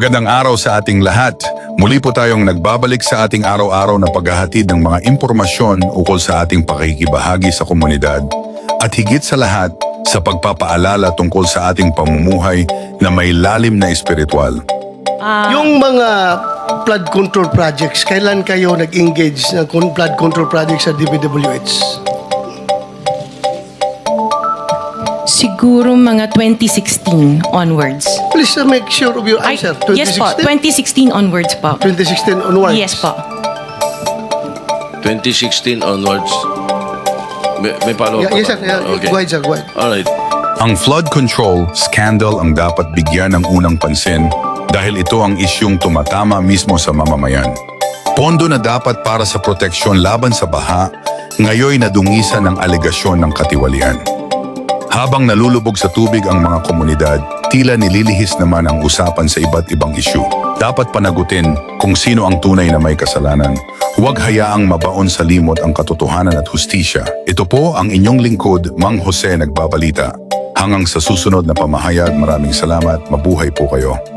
Magandang araw sa ating lahat. Muli po tayong nagbabalik sa ating araw-araw na paghahatid ng mga impormasyon ukol sa ating pakikibahagi sa komunidad at higit sa lahat sa pagpapaalala tungkol sa ating pamumuhay na may lalim na espiritual. Yung mga flood control projects, kailan kayo nag-engage ng flood control projects sa DPWH? Siguro mga 2016 onwards. Please make sure of your answer. Yes po, 2016 onwards po. 2016 onwards? Yes po. 2016 onwards. May follow-up Yes, sir. pa ba? Yeah, Okay. Go ahead, sir. Go ahead. Alright. Ang flood control scandal ang dapat bigyan ng unang pansin dahil ito ang isyung tumatama mismo sa mamamayan. Pondo na dapat para sa proteksyon laban sa baha, ngayoy nadungisan ng alegasyon ng katiwalian. Habang nalulubog sa tubig ang mga komunidad, tila nililihis naman ang usapan sa iba't ibang isyu. Dapat panagutin kung sino ang tunay na may kasalanan. Huwag hayaang mabaon sa limot ang katotohanan at hustisya. Ito po ang inyong lingkod, Mang Jose Nagbabalita. Hanggang sa susunod na pamahayag, maraming salamat. Mabuhay po kayo.